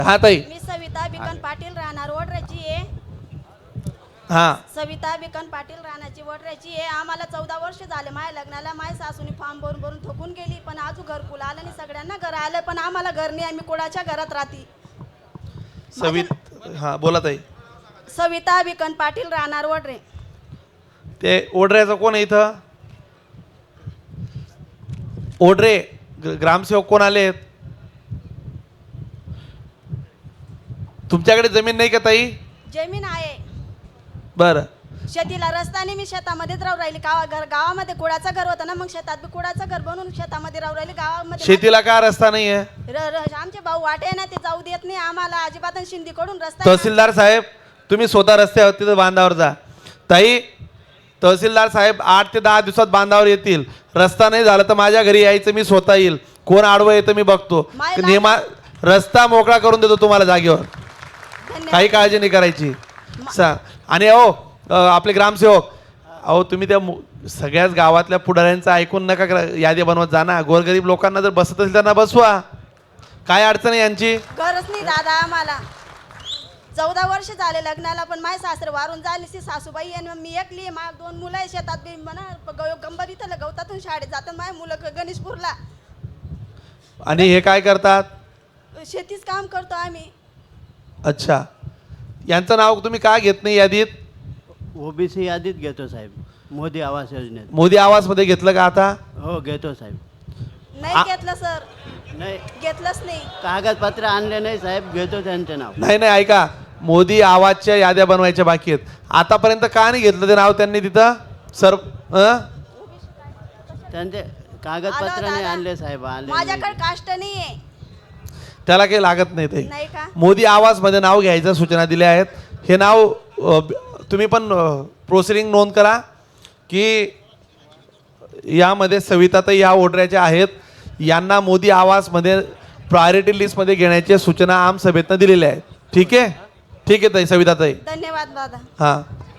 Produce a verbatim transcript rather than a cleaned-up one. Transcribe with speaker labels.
Speaker 1: हा ताई.
Speaker 2: मी सविता बिकन पाटील राहणार वडऱ्याची आहे.
Speaker 1: हा
Speaker 2: सविता बिकन पाटील राहण्याची वडऱ्याची आहे. आम्हाला चौदा वर्ष झाले माझ्या लग्नाला. माझ्या सासूनी फॉर्म भरून भरून थकून गेली, पण अजून घरकुल आलं नाही. सगळ्यांना घर आलं, पण आम्हाला घर नाही. आम्ही कुणाच्या घरात राहती.
Speaker 1: सवित हा बोला ताई.
Speaker 2: सविता बिकन पाटील राहणार वडरे.
Speaker 1: ते ओढऱ्याचं कोण आहे इथं? ओढरे ग- ग्रामसेवक कोण आलेत? तुमच्याकडे जमीन नाही का ताई?
Speaker 2: जमीन आहे.
Speaker 1: बरं.
Speaker 2: शेतीला रस्त्याने मी शेतामध्येच राहू राहिली. गावा घर गावामध्ये कुडाचं घर होतं ना, मग शेतात बी कुडाचं घर बनवून शेतामध्ये राहू राहिली. गावामध्ये
Speaker 1: शेतीला का रस्ता नाहीये?
Speaker 2: र- र- आमचे भाऊ वाटे ना, ते जाऊ देत नाही आम्हाला अजिबात. शिंदीकडून रस्ता
Speaker 1: तहसीलदार साहेब तुम्ही स्वतः रस्त्यावर तिथं बांधावर जा. ताई तहसीलदार साहेब आठ ते दहा दिवसात बांधावर येतील. रस्ता नाही झाला तर माझ्या घरी यायचं, मी स्वतः येईल. कोण आडवं येतं मी बघतो.
Speaker 2: मायला-
Speaker 1: नेमा रस्ता मोकळा करून देतो तुम्हाला जागेवर. काही काळजी नाही करायची. सा आणि अहो अ, आपले ग्रामसेवक अहो तुम्ही त्या मु- सगळ्याच गावातल्या पुढाऱ्यांचं ऐकून नका करा- यादी बनवत जा ना. गोरगरीब लोकांना जर बसत असेल त्यांना बसवा. काय अडचण आहे यांची?
Speaker 2: गरज नाही दादा आम्हाला. चौदा वर्ष झाले लग्नाला, पण माझे सासरे वारून झाले. ती सासूबाई आणि मी एकली. माझ्या दोन मुलं आहे शेतात बी म्हणा गंबर इथं गवतातून शाळेत जातात. माझे मुलं ग- गणेशपूरला.
Speaker 1: आणि हे काय करतात?
Speaker 2: शेतीच काम करतो आम्ही.
Speaker 1: अच्छा. यांचं नाव तुम्ही का घेत नाही यादीत?
Speaker 3: ओबीसी यादीत घेतो साहेब, मोदी आवास योजनेत.
Speaker 1: मोदी आवास मध्ये घेतलं का आता?
Speaker 3: हो घेतो साहेब.
Speaker 2: नाही घेतलं सर,
Speaker 3: नाही
Speaker 2: घेतलंच नाही.
Speaker 3: कागदपत्र आणले नाही साहेब, घेतो त्यांचे नाव.
Speaker 1: नाही नाही ऐका, मोदी आवाजच्या याद्या बनवायच्या बाकी आहेत. आतापर्यंत का नाही घेतलं ते नाव त्यांनी तिथं? सर अं?
Speaker 3: त्यांचे कागदपत्र नाही आणले साहेब. आले
Speaker 2: माझ्याकडे काष्ट नाही आहे.
Speaker 1: त्याला काही लागत नाही ते.
Speaker 2: नाही का?
Speaker 1: मोदी आवास मध्ये नाव घ्यायच्या सूचना दिल्या आहेत. हे नाव अ, तुम्ही पण प्रोसिडिंग नोंद करा की यामध्ये सविताताई या ओढऱ्याच्या आहेत. यांना मोदी आवासमध्ये प्रायोरिटी लिस्टमध्ये घेण्याच्या सूचना आम सभेतनं दिलेल्या आहेत. ठीक आहे? ठीक आहे ताई सविताताई.
Speaker 2: धन्यवाद दादा.
Speaker 1: हां